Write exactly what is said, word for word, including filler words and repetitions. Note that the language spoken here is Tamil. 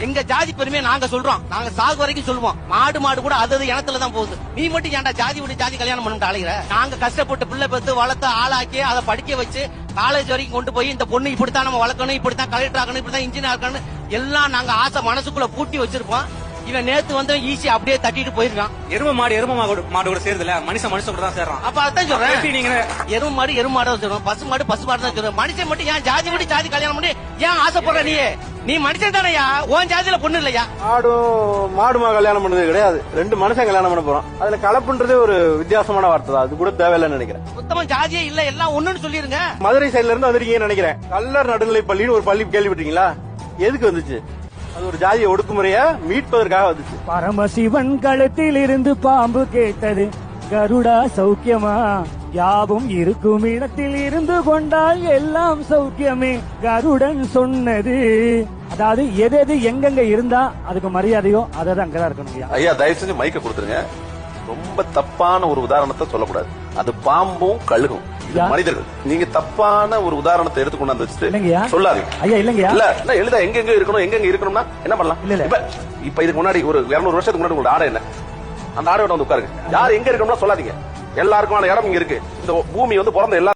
எங்க ஜாதி பெருமையை நாங்க சொல்றோம். நாங்க சாகு வரைக்கும் சொல்லுவோம். மாடு மாடு கூட அது அது இனத்துல தான் போகுது. நீ மட்டும் ஏன்டா ஜாதி விட்டு ஜாதி கல்யாணம் பண்ணிட்டு அலைகிற? நாங்க கஷ்டப்பட்டு பிள்ளை பெத்து வளர்த்து ஆளாக்கி அதை படிக்க வச்சு காலேஜ் வரைக்கும் கொண்டு போய் இந்த பொண்ணு இப்படித்தான் நம்ம வளர்க்கணும், இப்படித்தான் கலெக்டர் ஆகணும், இப்படித்தான் இன்ஜினியர் ஆகணும் எல்லாம் நாங்க ஆசை மனசுக்குள்ள பூட்டி வச்சிருப்போம். இவன் நேத்து வந்து ஈஸி அப்படியே தட்டிட்டு போயிருக்கான். எரும மாடு எரும மாடு கூட சேர்ந்துல மனுஷன் மனுஷன் கூட தான் சேர்றான். அப்ப அதான் சொல்றேன், நீங்க எரும மாடு எரும மாடு தான் சொல்றோம், பசு மாடு பசு மாடு தான் சொல்றோம். மனுஷன் மட்டும் ஏன் ஜாதி விட்டு ஜாதி கல்யாணம் பண்ணி ஏன் ஆசைப்படுற? நீ நீ மனுஷன் தானையா? உன் ஜாதியில பொண்ணு இல்லையா? மாடும் மாடுமா கல்யாணம் பண்ணது கிடையாது, ரெண்டு மனுஷன் கல்யாணம் பண்ண போறோம். அதுல கலப்புன்றதே ஒரு வித்தியாசமான வார்த்தை தான், அது கூட தேவையில்லைன்னு நினைக்கிறேன். சுத்தமா ஜாதியே இல்ல, எல்லாம் ஒண்ணுன்னு சொல்லிருங்க. மதுரை சைடுல இருந்து வந்திருக்கீங்கன்னு நினைக்கிறேன். கல்லர் நடுநிலை பள்ளின்னு ஒரு பள்ளி கேள்விப்பட்டீங்களா? எதுக்கு வந்துச்சு? அது ஒரு ஜாதிய ஒடுக்குமுறைய மீட்பதற்காக வந்துச்சு. பரமசிவன் கழுத்தில் இருந்து பாம்பு கேட்டது, கருடா சௌக்கியமா? யாவும் இருக்கும் இடத்தில் இருந்து கொண்டால் எல்லாம் சௌக்கியமே, கருடன் சொன்னது. அதாவது எது எது எங்கெங்க இருந்தா அதுக்கு மரியாதையோ அதை அங்கதான் இருக்கணும். ஐயா தயவு செஞ்சு மைக்க கொடுத்துருங்க. ரொம்ப தப்பான ஒரு உதாரணத்தை சொல்லக்கூடாது. அது பாம்பும் கழுகும், மனிதர்கள். நீங்க தப்பான ஒரு உதாரணத்தை எடுத்துக்கொண்டு வச்சுட்டு சொல்லாதீங்க ஐயா. இல்லங்கயா, இல்ல எழுத எங்க எங்க இருக்கணும் எங்க எங்க இருக்கணும்னா என்ன பண்ணலாம்? இப்ப இப்ப இதுக்கு முன்னாடி ஒரு இருநூறு வருஷத்துக்கு முன்னாடி உங்களோட ஆடை என்ன? அந்த ஆடையோட வந்து உட்காருங்க. யார் எங்க இருக்கணும்னா சொல்லாதீங்க. எல்லாருக்குமான இடம் இங்க இருக்கு. இந்த பூமி வந்து பிறந்த எல்லா